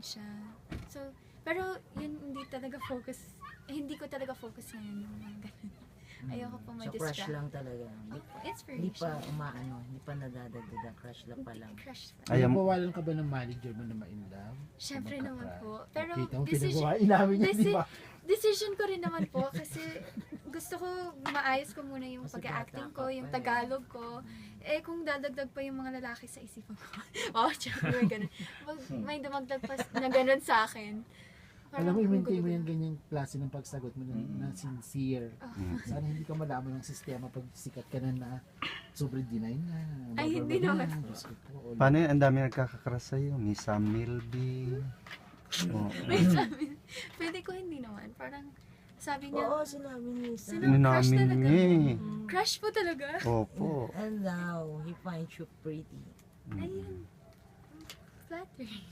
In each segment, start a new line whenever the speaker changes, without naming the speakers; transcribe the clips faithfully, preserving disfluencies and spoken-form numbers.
siya. So, pero yun hindi talaga focus, eh, hindi ko talaga focus ngayon yung mga ganun. Ayoko po
So
ma-distract.
crush lang talaga. Hindi,
Opo,
hindi
inspiration.
pa umaano, hindi pa nadadagdagan, crush lang pa lang.
Crush pa.
Ayam.
Pinagbawalan ka ba ng manager mo na ma-in love?
Syempre
Sa
naman
magka-crush?
po. Pero
Kita mo,
decision,
pinagbawalan namin yan, di
desi-
ba?
decision ko rin naman po kasi gusto ko maayos ko muna yung
Kasi
pag-acting
bata
ko,
ka
yung
pa eh.
Tagalog ko. Eh kung dadagdag pa yung mga lalaki sa isipan ko. Wow, tsaka may ganun. Mag, may dumagdag pa na ganun sa akin.
Alam mo,
Parang
i-maintain mo
gulo-gulo.
yung ganyang klase ng pagsagot mo na, na sincere. Sana hindi ka malaman ng sistema pag sikat ka na na sobrang deny na.
Ay, hindi
blablabla.
naman.
Diyos ko po.
Paano yun? Ang dami nagkakakras sa'yo. Miss Sam Milby. Oh.
May sabi, pwede ko hindi naman. Parang sabi niya,
Oo, sinabi ni Sam.
Sino?
Ini
Crush
namin
talaga.
niya eh.
crush po talaga.
Opo.
And now, he finds you pretty.
Ayun. Flattering.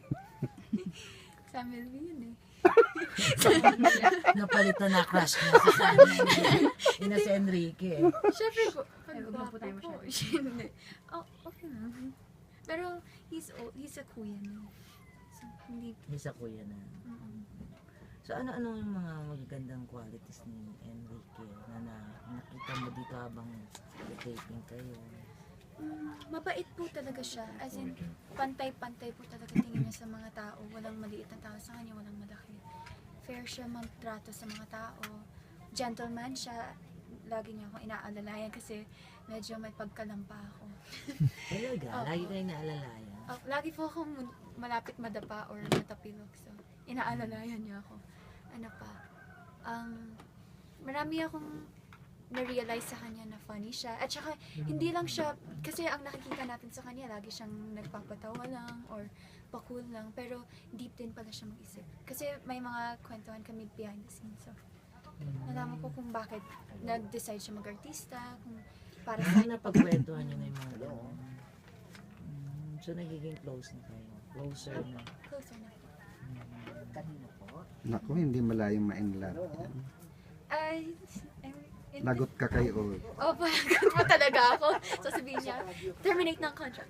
Samuel V yun eh.
Napalitan na crush niya si Sam. Ina si Enrique eh.
Siyempre po, pag guwapo po. Hindi. Oh, okay lang. Pero he's old, he's a kuya na. So, hindi,
Isa kuya na.
mm
So ano-ano yung mga magagandang qualities ni Enrique na, na nakita mo dito habang taping kayo?
Mm, mabait po talaga siya. As in, pantay-pantay po talaga tingin niya sa mga tao. Walang maliit na tao sa kanya, walang malaki. Fair siya magtrato sa mga tao. Gentleman siya. Lagi niya akong inaalalayan kasi medyo may pagkalampa ako.
Talaga?
Oo.
Lagi kayo naalalayan?
Uh, lagi po akong mun- malapit madapa or matapilok. So, inaalalayan niya ako. Ano pa? Um, marami akong na-realize sa kanya na funny siya. At saka, hindi lang siya, kasi ang nakikita natin sa kanya, lagi siyang nagpapatawa lang or pa-cool lang. Pero deep din pala siya mag-isip. Kasi may mga kwentuhan kami behind the scenes. So, nalaman ko kung bakit nag-decide siya mag-artista, kung para sa
Ano napagkwentuhan niyo na yung mga gano'n? Mm, So nagiging close na kayo? Closer na?
closer na.
Kanina po?
Naku, hindi malayong ma-in-love.
Ay, I'm,
Lagot ka kay Old.
Oh, palagot mo talaga ako. Sasabihin niya, terminate ng contract.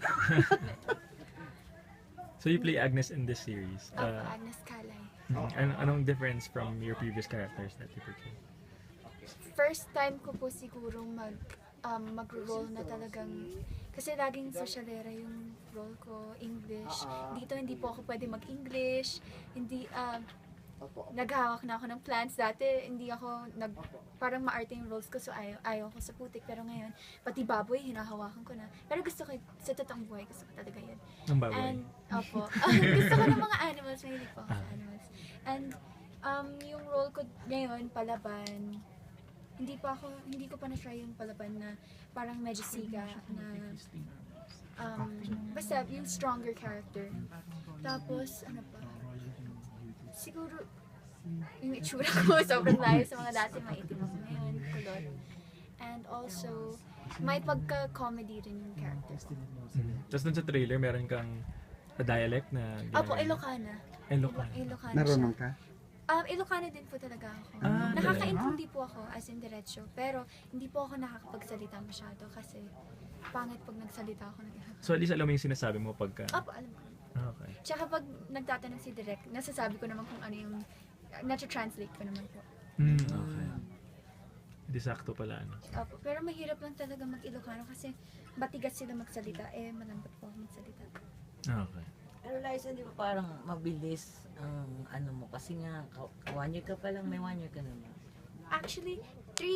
So you play Agnes in this series.
Ako,
Uh,
Agnes Calay.
an anong difference from your previous characters that you portrayed?
First time ko po siguro mag um, mag-role na talagang kasi laging sosyalera yung role ko, English. Dito hindi po ako pwede mag-English. Hindi um naghahawak na ako ng plants dati, hindi ako nag parang maarte yung roles ko so ayaw, ayaw ko sa putik pero ngayon pati baboy hinahawakan ko na. Pero gusto ko sa totoong buhay gusto ko talaga yun.
Ang baboy.
And, opo. Gusto ko ng mga animals. Mahilig po ako sa animals. And, um, yung role ko ngayon, palaban, hindi pa ako, hindi ko pa na-try yung palaban na parang medyo siga na, um, basta yung stronger character. Tapos, ano pa, siguro, yung itsura ko, sobrang layo sa mga dati, maitim ako ngayon, kulot. And also, may pagka-comedy rin yung character ko.
Mhm. Tapos dun sa trailer, meron kang a dialect na
Opo,
ginagawa.
Ilocana.
Ilocana.
Ilocana siya.
Narunong ka?
Um, Ilocana din po talaga ako.
Ah,
Nakakaintindi po ako as in diretso, pero hindi po ako nakakapagsalita masyado kasi pangit pag nagsalita ako ng Ilocana.
So at least alam mo yung sinasabi mo pagka...
Opo, alam ko.
Ah, okay.
Tsaka pag nagtatanong si Direk, nasasabi ko naman kung ano yung, nata-translate ko naman po.
Mm, okay. Hindi sakto pala, ano.
Opo, pero mahirap lang talaga mag-Ilocano kasi batigas sila magsalita, eh malambot po ako magsalita.
Ah, okay.
Pero Liza, di ba parang mabilis ang ano mo? Kasi nga, ka- one year ka pa lang, may one year ka naman.
Actually, three